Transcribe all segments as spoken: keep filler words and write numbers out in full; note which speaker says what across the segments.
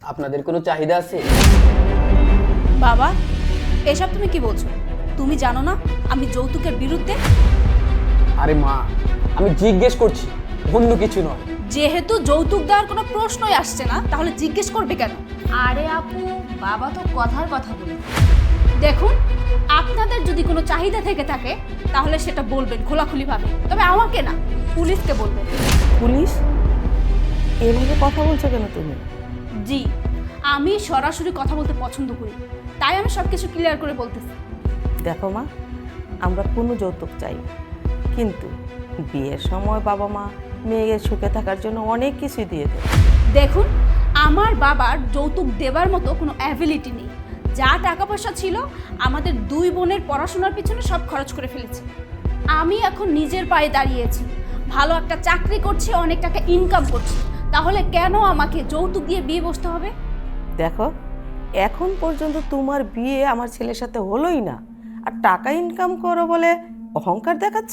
Speaker 1: আপনাদের কোনো চাহিদা আছে?
Speaker 2: বাবা, এসব তুমি কি বলছো? তুমি জানো না আমি যৌতুকের বিরুদ্ধে?
Speaker 1: আরে মা, আমি জিজ্ঞেস করছি, অন্য কিছু নয়।
Speaker 2: যেহেতু যৌতুক দেওয়ার কোনো প্রশ্নই আসছে না, তাহলে জিজ্ঞেস করবে কেন?
Speaker 3: আরে আপু, বাবা তো কথার কথা বলে।
Speaker 2: দেখুন, আপনাদের যদি কোনো চাহিদা থেকে থাকে তাহলে সেটা বলবেন খোলাখুলিভাবে, তবে আমাকে না, পুলিশকে বলবেন।
Speaker 4: পুলিশ? এভাবে কথা বলছো কেন তুমি?
Speaker 2: জি, আমি সরাসরি কথা বলতে পছন্দ করি, তাই আমি সব কিছু ক্লিয়ার করে বলতেছি।
Speaker 4: দেখো মা, আমরা কোনো যৌতুক চাই না, কিন্তু বিয়ের সময় বাবা মা মেয়ের সুখে থাকার জন্য অনেক কিছুই দিয়ে দেয়।
Speaker 2: দেখুন, আমার বাবার যৌতুক দেবার মতো কোনো অ্যাবিলিটি নেই। যা টাকা পয়সা ছিল আমাদের দুই বোনের পড়াশোনার পিছনে সব খরচ করে ফেলেছে। আমি এখন নিজের পায়ে দাঁড়িয়েছি, ভালো একটা চাকরি করছি, অনেক টাকা ইনকাম করছি, তাহলে কেন আমাকে যৌতুক দিয়ে বিয়ে বসতে হবে?
Speaker 4: দেখো, এখন পর্যন্ত তোমার বিয়ে আমার ছেলের সাথে হলোই না, আর টাকা ইনকাম করো বলে অহংকার দেখাচ্ছ।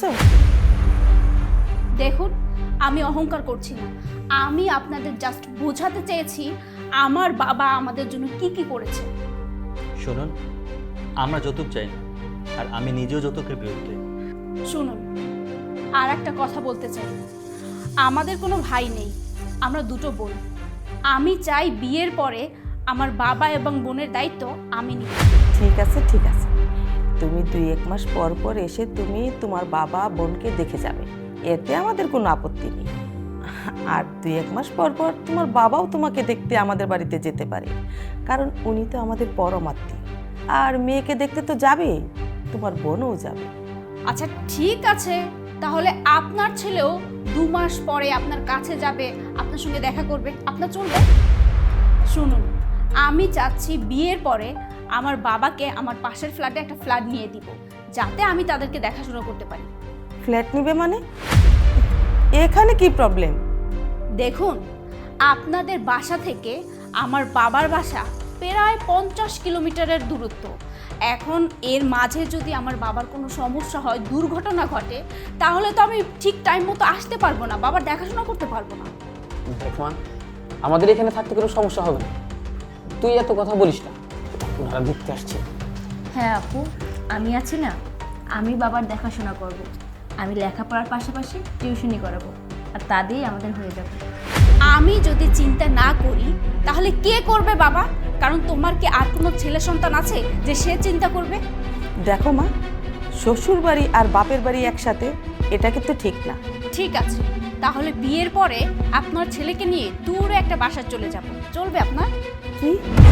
Speaker 2: দেখুন, আমি অহংকার করছি না, আমি আপনাদের জাস্ট বোঝাতে চেয়েছি আমার বাবা আমাদের জন্য কি কি করেছে।
Speaker 5: শুনুন, আমরা যৌতুক চাই না, আর আমি নিজেও যৌতুকের বিরুদ্ধে।
Speaker 2: শুনুন, আর একটা কথা বলতে চাই, আমাদের কোনো ভাই নেই, আমরা দুটো বোন। আমি চাই বিয়ের পরে আমার বাবা এবং বোনের দায়িত্ব আমি নিই।
Speaker 4: ঠিক আছে ঠিক আছে, তুমি দুই এক মাস পর পর এসে তুমি তোমার বাবা বোনকে দেখে যাবে, এতে আমাদের কোনো আপত্তি নেই। আর দুই এক মাস পর পর তোমার বাবাও তোমাকে দেখতে আমাদের বাড়িতে যেতে পারে, কারণ উনি তো আমাদের পরম আত্মীয়। আর মেয়েকে দেখতে তো যাবেই, তোমার বোনও যাবে।
Speaker 2: আচ্ছা ঠিক আছে, তাহলে আপনার ছেলেও দু মাস পরে আপনার কাছে যাবে, আপনার সঙ্গে দেখা করবে, আপনার চলবে? শুনুন, আমি চাচ্ছি বিয়ের পরে আমার বাবাকে আমার পাশের ফ্ল্যাটে একটা ফ্ল্যাট নিয়ে দিব, যাতে আমি তাদেরকে দেখাশোনা করতে পারি।
Speaker 4: ফ্ল্যাট নিবে মানে? এখানে কি প্রবলেম?
Speaker 2: দেখুন, আপনাদের বাসা থেকে আমার বাবার বাসা প্রায় পঞ্চাশ কিলোমিটারের দূরত্ব। এখন এর মাঝে যদি আমার বাবার কোনো সমস্যা হয়, দুর্ঘটনা ঘটে, তাহলে তো আমি ঠিক টাইম মতো আসতে পারবো না, বাবার দেখাশোনা করতে পারবো না।
Speaker 1: দেখ মা, আমাদের এখানে থাকতে কোনো সমস্যা হবে না, তুই এত কথা বলিস না, ওনারা দেখতে আসছে।
Speaker 3: হ্যাঁ আপু, আমি আছি না, আমি বাবার দেখাশোনা করব। আমি লেখাপড়ার পাশাপাশি টিউশনি করাবো, আর তা দিয়েই আমাদের হয়ে যাবে।
Speaker 2: আমি যদি চিন্তা না করি তাহলে কে করবে বাবা? কারণ তোমার কি আর কোনো ছেলে সন্তান আছে যে সে চিন্তা করবে?
Speaker 4: দেখো মা, শ্বশুর বাড়ি আর বাপের বাড়ি একসাথে, এটা কিন্তু ঠিক না।
Speaker 2: ঠিক আছে, তাহলে বিয়ের পরে আপনার ছেলেকে নিয়ে দূরে একটা বাসায় চলে যাব, চলবে আপনার?
Speaker 4: কি?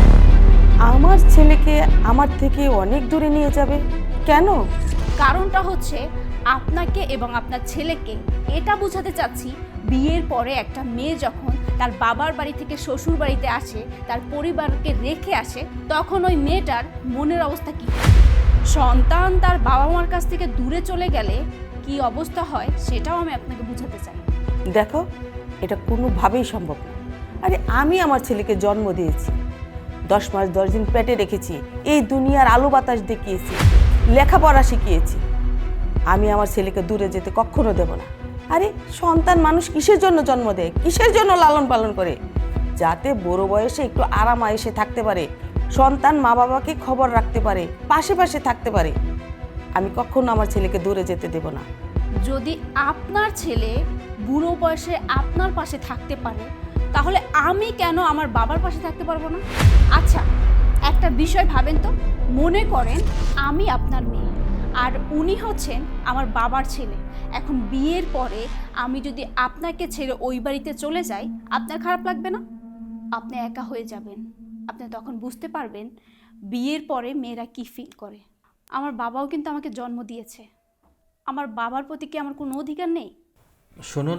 Speaker 4: আমার ছেলেকে আমার থেকে অনেক দূরে নিয়ে যাবে কেন?
Speaker 2: কারণটা হচ্ছে আপনাকে এবং আপনার ছেলেকে এটা বোঝাতে চাচ্ছি, বিয়ের পরে একটা মেয়ে যখন তার বাবার বাড়ি থেকে শ্বশুর বাড়িতে আসে, তার পরিবারকে রেখে আসে, তখন ওই মেয়েটার মনের অবস্থা কী? সন্তান তার বাবা মার কাছ থেকে দূরে চলে গেলে কি অবস্থা হয় সেটাও আমি আপনাকে বোঝাতে চাই।
Speaker 4: দেখো, এটা কোনোভাবেই সম্ভব না। আরে আমি আমার ছেলেকে জন্ম দিয়েছি, দশ মাস দশ দিন পেটে রেখেছি, এই দুনিয়ার আলো বাতাস দেখিয়েছি, লেখাপড়া শিখিয়েছি। আমি আমার ছেলেকে দূরে যেতে কখনো দেব না। আরে সন্তান মানুষ কিসের জন্য জন্ম দেয়, কিসের জন্য লালন পালন করে? যাতে বড় বয়সে একটু আরাম আয়েসে থাকতে পারে, সন্তান মা বাবাকে খবর রাখতে পারে, পাশে পাশে থাকতে পারে। আমি কখনো আমার ছেলেকে দূরে যেতে দেব না।
Speaker 2: যদি আপনার ছেলে বুড়ো বয়সে আপনার পাশে থাকতে পারে, তাহলে আমি কেন আমার বাবার পাশে থাকতে পারবো না? আচ্ছা, একটা বিষয় ভাবেন তো, মনে করেন আমি আপনার মেয়ে আর উনি হচ্ছেন আমার বাবার ছেলে। এখন বিয়ের পরে আমি যদি আপনাকে ছেড়ে ওই বাড়িতে চলে যাই, আপনার খারাপ লাগবে না? আপনি একা হয়ে যাবেন, আপনি তখন বুঝতে পারবেন বিয়ের পরে মেয়েরা কি ফিল করে। আমার বাবাও কিন্তু আমাকে জন্ম দিয়েছে, আমার বাবার প্রতি কি আমার কোনো অধিকার নেই?
Speaker 5: শুনুন,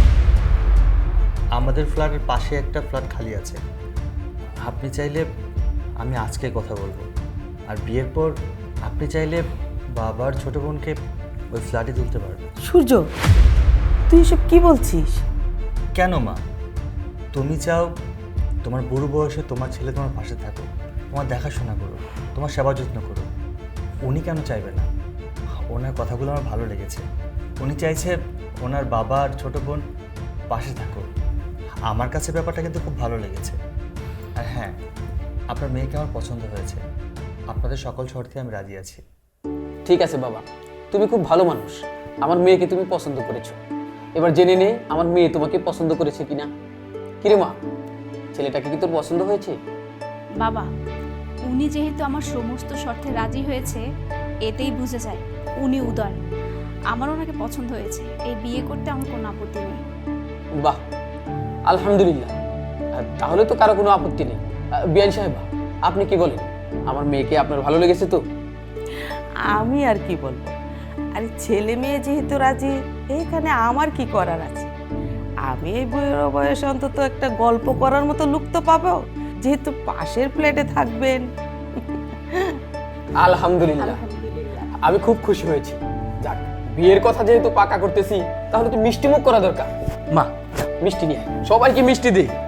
Speaker 5: আমাদের ফ্ল্যাটের পাশে একটা ফ্ল্যাট খালি আছে, আপনি চাইলে আমি আজকে কথা বলবো, আর বিয়ের পর আপনি চাইলে বাবার ছোট বোনকে ওই ফ্ল্যাটে তুলতে পারবেন।
Speaker 4: সূর্য, তুই এসব কি বলছিস?
Speaker 5: কেন মা, তুমি চাও তোমার বুড়ো বয়সে তোমার ছেলে তোমার পাশে থাকুক, তোমার দেখাশোনা করো, তোমার সেবা যত্ন করো। উনি কেন চাইবে না? ওনার কথাগুলো আমার ভালো লেগেছে। উনি চাইছে ওনার বাবা আর ছোটো বোন পাশে থাকুক। আমার কাছে ব্যাপারটা কিন্তু খুব ভালো লেগেছে। আর হ্যাঁ, আপনার মেয়েকে আমার পছন্দ হয়েছে। আপনাদের সকল শর্তে আমি রাজি আছি।
Speaker 1: ঠিক আছে বাবা, তুমি খুব ভালো মানুষ, আমার মেয়েকে তুমি পছন্দ করেছো। এবার জেনে নে আমার মেয়ে তোমাকে পছন্দ করেছে কিনা। কিরে মা, ছেলেটাকে কি তোর পছন্দ হয়েছে?
Speaker 2: বাবা, উনি যেহেতু আমার সমস্ত শর্তে রাজি হয়েছে, এতেই বুঝে যায় উনি উদার। আমার ওনাকে পছন্দ হয়েছে, এই বিয়ে করতে আমার কোনো আপত্তি নেই।
Speaker 1: বাহ, আলহামদুলিল্লাহ। আহ, তাহলে তো কারো কোনো আপত্তি নেই। আহ, বিয়ান সাহেবা, আপনি কি বলেন? আমার মেয়েকে আপনার ভালো লেগেছে তো?
Speaker 4: আমি আর কি বলবো, আরে ছেলে মেয়ে যেহেতু রাজি, এখানে আমার কি করার আছে? আমি এই বইয়ের বয়সে অন্তত একটা গল্প করার মতো লুক তো পাবো, যেহেতু পাশের ফ্ল্যাটে থাকবেন।
Speaker 1: আলহামদুলিল্লাহ, আমি খুব খুশি হয়েছি। যাক, বিয়ের কথা যেহেতু পাকা করতেছি, তাহলে তো মিষ্টি মুখ করা দরকার। মা, মিষ্টি নিয়ে আয়, সবাইকে মিষ্টি দিই।